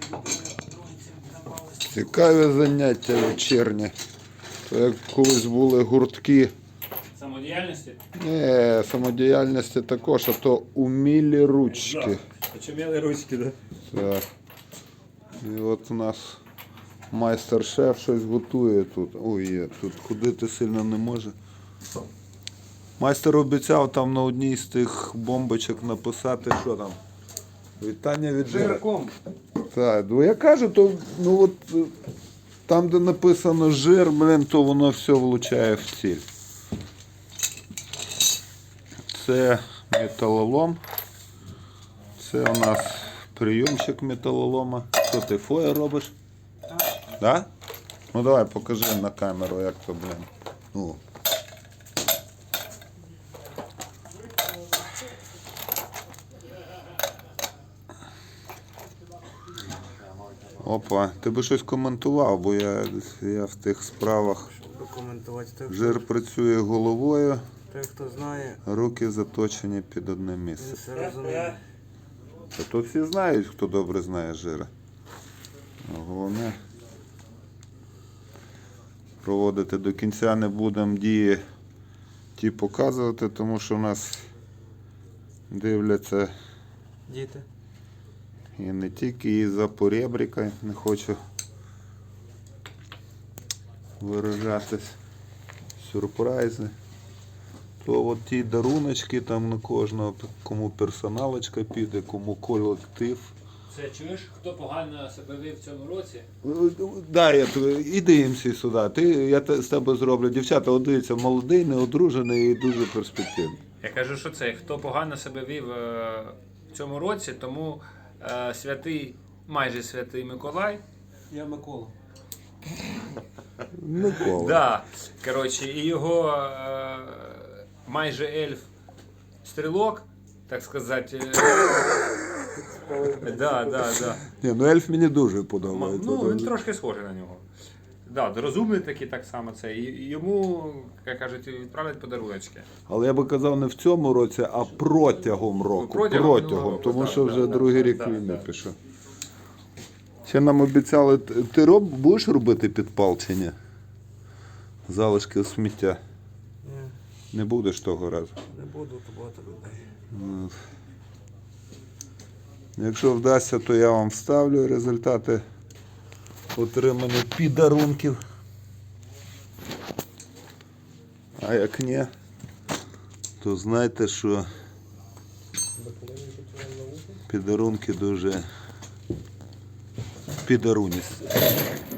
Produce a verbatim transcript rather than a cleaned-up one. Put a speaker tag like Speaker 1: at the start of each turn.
Speaker 1: Цікаві заняття вечірні. То як колись були гуртки.
Speaker 2: Самодіяльності?
Speaker 1: Ні, самодіяльності також, а то умілі ручки.
Speaker 2: Очуміли ручки, так?
Speaker 1: Так. І от у нас майстер-шеф щось готує тут. Ой, є, тут ходити сильно не може. Майстер обіцяв там на одній з тих бомбочок написати, що там. Вітання від жира.
Speaker 2: Жирком.
Speaker 1: Так, ну я кажу, то ну от там, де написано жир, блин, то воно все влучає в ціль. Це металолом. Це у нас прийомчик металолома. Що ти фоє робиш? Так. Да? Ну давай покажи на камеру, як то, блин. Ну. Опа, ти би щось коментував, бо я, я в тих справах.
Speaker 3: Прокоментувати те,
Speaker 1: Жир працює головою,
Speaker 3: те, хто знає,
Speaker 1: руки заточені під одне
Speaker 3: він
Speaker 1: місце.
Speaker 3: все розуміє.
Speaker 1: Та то всі знають, хто добре знає жира. Головне проводити до кінця не будемо дії ті показувати, тому що в нас дивляться
Speaker 3: Діти.
Speaker 1: і не тільки і за поребрика, не хочу виражатись, сюрпризи. То от ті даруночки там на кожного, кому персоналочка піде, кому колектив.
Speaker 2: Це чуєш, хто погано себе вів в цьому році?
Speaker 1: Да, я, іди їм всі сюди. Ти, я те- з тебе зроблю. Дівчата, от дивіться, молодий, неодружений і дуже перспективний.
Speaker 2: Я кажу, що це хто погано себе вів е, в цьому році, тому е, святий, майже святий Миколай.
Speaker 3: Я Микола.
Speaker 1: Микола.
Speaker 2: Да, коротше, і його е, майже ельф стрілок, так сказати. Е, да, да, да.
Speaker 1: Ні, ну ельф мені дуже
Speaker 2: М-
Speaker 1: подобається.
Speaker 2: Ну, він
Speaker 1: Дуже.
Speaker 2: трошки схожий на нього. Да, розумний такий так само це. І йому, як кажуть, відправлять подаруночки.
Speaker 1: Але я би казав не в цьому році, а протягом року.
Speaker 2: Протягом
Speaker 1: Протягом,
Speaker 2: минулого року,
Speaker 1: тому
Speaker 2: так,
Speaker 1: що
Speaker 2: так,
Speaker 1: вже
Speaker 2: так,
Speaker 1: другий
Speaker 2: так,
Speaker 1: рік
Speaker 2: так,
Speaker 1: війни
Speaker 2: так.
Speaker 1: пішов. Ще нам обіцяли, т- ти роб, будеш робити підпал чи ні? Залишки сміття.
Speaker 3: Ні,
Speaker 1: Не будеш того разу.
Speaker 3: не буду, то багато людей.
Speaker 1: Ну, якщо вдасться, то я вам вставлю результати отриманих підарунків. А як ні, то знайте, що підарунки дуже підаруністі.